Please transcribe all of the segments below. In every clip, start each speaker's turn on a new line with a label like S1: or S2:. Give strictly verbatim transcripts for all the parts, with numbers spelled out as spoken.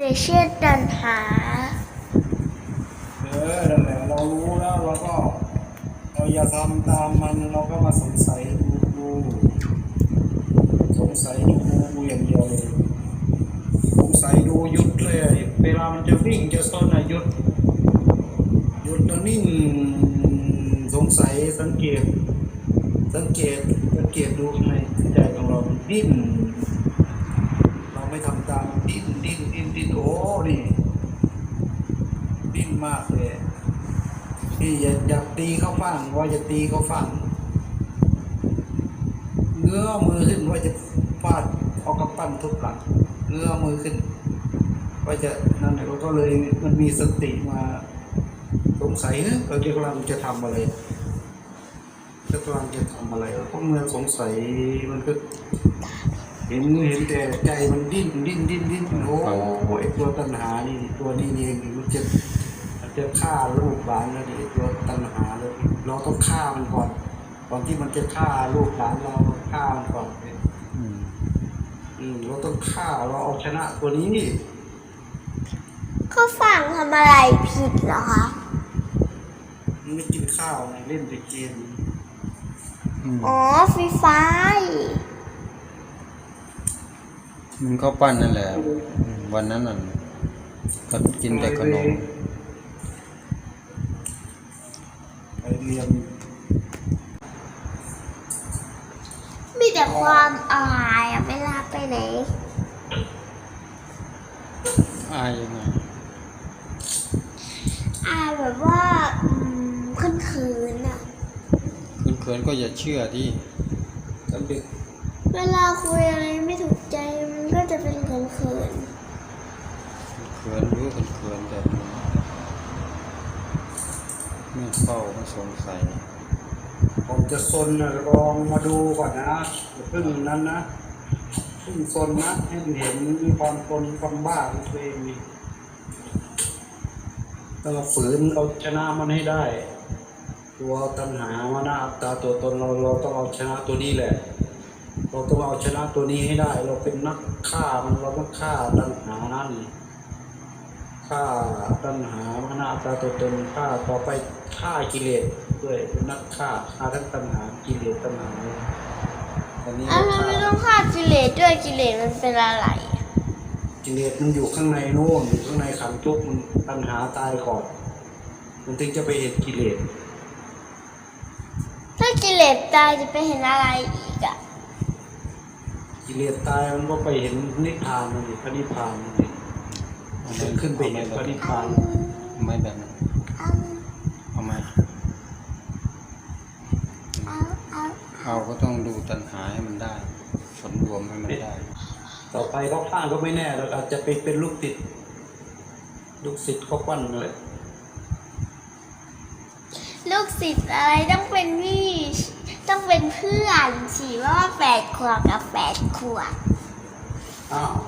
S1: เดเชื่อตันหา
S2: เออนั่นแหละเรารู้แล้วเราก็เราอย่าทำตามมันเราก็มาสงสัยดูดูสงสัยดูดูอย่างเดียวเลยสงสัยดูหยุดเลยเวลามันจะวิ่งจะซ่อนอะหยุดหยุดแล้วนิ่งสงสัยสังเกตสังเกตสังเกตดูข้างในใจของเรามันดิ้นเราไม่ทำตามดิ้นดิ้นดิ้นดิ้นโอ้นี่ดิ้นมากเลยนี่อย่าอย่าตีเขาฟังว่าจะตีเขาฟังเงื้อมือขึ้นว่าจะฟาดเอากระปั้นทุบหลังเงื้อมือขึ้นว่าจะนั่นเราก็เลยมันมีสติมาสงสัยเเราจะกำลังจะทำอะไรจะกำลังจะทำอะไรเพราะเมื่อสงสัยมันก็เห็นเห็นแต่ใจมันดิ้นดิ้นดิ้นดิ้นโอ้ไอตัวตัณหานี่ตัวนี้เองมันจะมันจะฆ่าลูกหลานแล้วดิตัวตัณหาเลยเราต้องฆ่ามันก่อนก่อนที่มันจะฆ่าลูกหลานเราฆ่ามันก่อนอืมอืมเราต้องฆ่าเราเอาชนะตัวนี้นี่
S1: เขาฟังทำอะไรผิดเหรอคะ
S2: มันไม่กินข้าวไงเล่นแต่เกม
S1: อ๋อฟรีไฟ
S3: มันก็ปั้นนั่นแหละวันนั้นน่ะก็กินแต่ขนม
S2: ไปเรียน
S1: มีแต่ความอายอะเวลาไปไหน
S3: อายยังไง
S1: อายแบบว่าขึ้นคืนอะ
S3: คุณเขินก็อย่าเชื่อที่
S2: ตอนเด็ก
S1: เวลาคุยอะไรไม่ถูกใจมันก็จะเป็นเขินเขิน
S3: เขินรู้เขินแต่ไม่เฝ้าไม่สงสัย
S2: ผมจะซนนะลองมาดูก่อนนะเพิ่งนั้นนะเพิ่งซนนะให้เห็นมีความซนความบ้าของตัวเองมีต้องฝืนเอาชนะมันให้ได้ตัวตัณหามานะอัตตาตัวตนเราเราต้องเอาชนะตัวนี้แหละเราต้องเอาชนะตัวนี้ให้ได้เราเป็นนักฆ่ามันเราต้องฆ่าตัณหานั่นฆ่าตัณหามานะอัตตาตัวตนฆ่าต่อไปฆ่ากิเลสด้วยเป็นนักฆ่าฆ่าทั้งตัณหากิเลสตัณหาตอนนี้
S1: อ้าวทำไมต้องฆ่ากิเลสด้วยกิเลสมันเป็นอะไร
S2: กิเลสมันอยู่ข้างในโน่นอยู่ข้างในขันธ์ทุกข์มันตัณหาตายก่อนมันถึงจะไปเห็นกิเลส
S1: ถ้ากิเลสตายจะไปเห็นอะไรอีกอะ
S2: กิเลสตายมันก็ไปเห็นนิพพานมันดิพระนิพพานมันดิมันขึ้นไปเห็นพระนิพพาน
S3: ไม่แบบนั้นเอาไหมเอาก็ต้องดูตัณหาให้มันได้ผลรวมให้มันได้
S2: ต่อไปเขาข้างก็ไม่แน่เราอาจจะไปเป็นลูกติดลูกศิษย์เขาปั้นเลย
S1: ลูกศิษย์อะไรต้องเป็นพี่ต้องเป็นเพื่อนสิว่าแปดขวบกับแปดขวบ
S2: อ้าว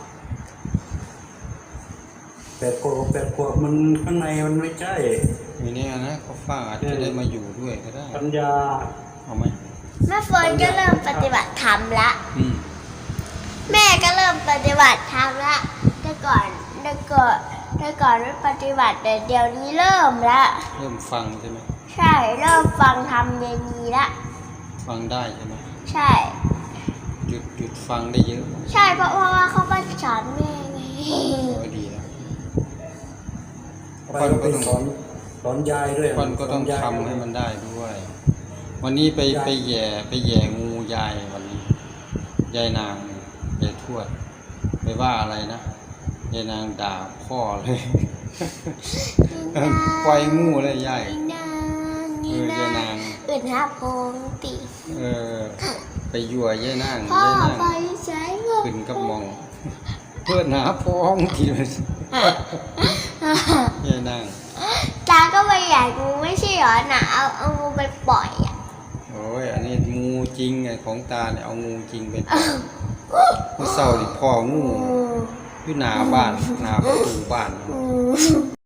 S2: แปดขวบแปดขวบมันข้างในมันไม่ใช่
S3: มีเนี่ยนะเขาฟ้าอาจจะได้มาอยู่ด้วยก็ได้
S2: ปัญญา
S3: เอาไหม
S1: แม่เฟิร์นก็เริ่มปฏิบัติธรรมละแม่ก็เริ่มปฏิบัติธรรมละแต่ก่อนแต่ก่อนแต่ก่อนไม่ปฏิบัติแต่เดี๋ยวนี้เริ่มละ
S3: เริ่มฟังใช่ไหม
S1: ใช่เริ่มฟังธรรมเย็นนี้ละ
S3: ฟังได้ใช่ไหม
S1: ใช่
S3: หยุดหยุดฟังได้เยอะ
S1: ใช่เพราะเพราะว่าเขาไปสอนแม่ไง
S3: ก็ดีแล้ว
S2: ปันก็ต้องสอนสอนยายด้วย
S3: ปันก็ต้องทำให้มันได้ด้วยวันนี้ไปไปแย่ไปแย่งูยายวันนี้ยายนางยายทวดไปว่าอะไรนะยายนางด่าพ่อเลยปล่อยงูเลยยาย
S1: เออยายนางอื่นหาพงตี
S3: เออไปยั่วยายนาง
S1: พ่อไปใช้
S3: ขึ้นกับมองเพื่อนหาพองทีเลยยายนาง
S1: ตาก็ไปใหญ่งูไม่ใช่หรอหนาเอาเอางูไปปล่อยอ่ะ
S3: โอ้ยอันนี้งูจริงไงของตาเนี่ยเอางูจริงไปปล่อยเมื่อเช้าดิพ่องูอยู่หน้าบ้านหน้าประตูบ้าน